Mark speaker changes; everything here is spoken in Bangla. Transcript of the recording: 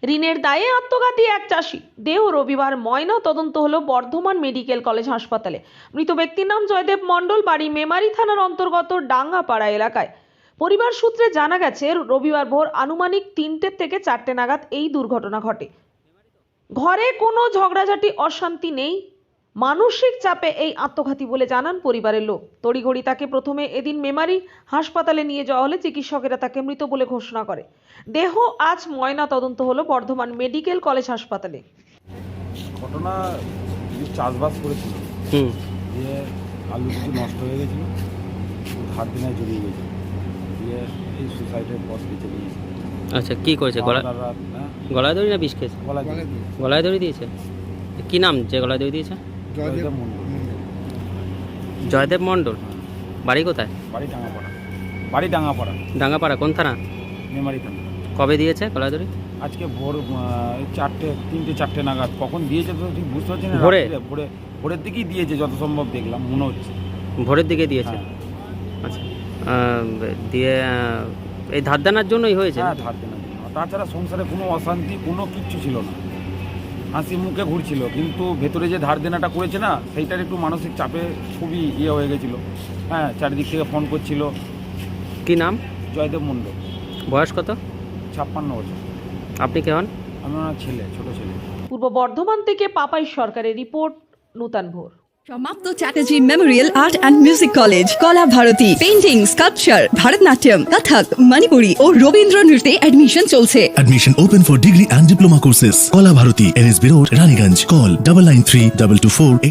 Speaker 1: ঋণের দায়ে আত্মঘাতী এক চাষি দেহ রবিবার ময়না তদন্ত হলো বর্ধমান মেডিকেল কলেজ হাসপাতালে। মৃত ব্যক্তির নাম জয়দেব মণ্ডল, বাড়ি মেমারি থানার অন্তর্গত ডাঙ্গাপাড়া এলাকায়। পরিবার সূত্রে জানা গেছে রবিবার ভোর আনুমানিক 3টে থেকে 4টে নাগাদ এই দুর্ঘটনা ঘটে। ঘরে কোনো ঝগড়াঝাটি অশান্তি নেই, মানসিক চাপে এই আত্মঘাতী বলে জানান পরিবারের লোক। তড়িঘড়ি তাকে প্রথমে এদিন মেমারি হাসপাতালে নিয়ে যাওয়া হলে চিকিৎসকেরা তাকে মৃত বলে ঘোষণা করে। দেহ আজ ময়না তদন্ত হলো বর্ধমান মেডিকেল কলেজ হাসপাতালে।
Speaker 2: ঘটনা চাষবাস করেছিল, দিয়ে আলু কিছু নষ্ট হয়ে গেছিলো, ধার দিনায় জড়িয়ে গেছে, দিয়ে এই সুসাইডের পথ বেঁচে নিয়েছে।
Speaker 3: আচ্ছা, কি করেছে? গলায় দড়ি না বিষ খেয়েছে? গলায় দড়ি দিয়েছে। কি নাম যে গলায় দড়ি দিয়েছে?
Speaker 2: জয়দেব মণ্ডল।
Speaker 3: জয়দেব মণ্ডল, বাড়ি কোথায়?
Speaker 2: বাড়ি ডাঙ্গাপাড়া।
Speaker 3: ডাঙ্গাপাড়া কোন থানা?
Speaker 2: মেমারি থানা।
Speaker 3: কবে দিয়েছে গলায় দড়ি?
Speaker 2: আজকে ভোর 3টে-4টে নাগাদ। কখন দিয়েছে তো ঠিক বুঝতে পারছি না। ভোরের দিকেই দিয়েছে, যত সম্ভব দেখলাম মনে হচ্ছে
Speaker 3: ভোরের দিকে দিয়েছে। আচ্ছা, দিয়ে এই ধার দেনার জন্যই হয়েছে?
Speaker 2: হ্যাঁ, ধার দেনার জন্য। তাছাড়া সংসারে কোনো অশান্তি, কোনো কিচ্ছু ছিল না, হাসি মুখে ঘুরছিল। কিন্তু ভেতরে যে ধার দেনাটা করেছে না, সেইটার একটু মানসিক চাপে খুবই হয়ে গেছিলো। হ্যাঁ, চারিদিক থেকে ফোন করছিল।
Speaker 3: কি নাম?
Speaker 2: জয়দেব মণ্ডল।
Speaker 3: বয়স কত?
Speaker 2: 56 বছর।
Speaker 3: আপনি কে হন?
Speaker 2: আমি ওনার ছেলে, ছোট ছেলে।
Speaker 1: পূর্ব বর্ধমান থেকে পাপাই সরকারের রিপোর্ট, নূতন ভোর।
Speaker 4: সমাপ্ত Chatterjee memorial art and music college, Kala Bharati, painting, sculpture, Bharatanatyam, Kathak, Manipuri ও রবীন্দ্র নৃত্যে অ্যাডমিশন চলছে।
Speaker 5: Admission open for degree and diploma courses. Kola Bharati, NSB Road, Raniganj. Call 993224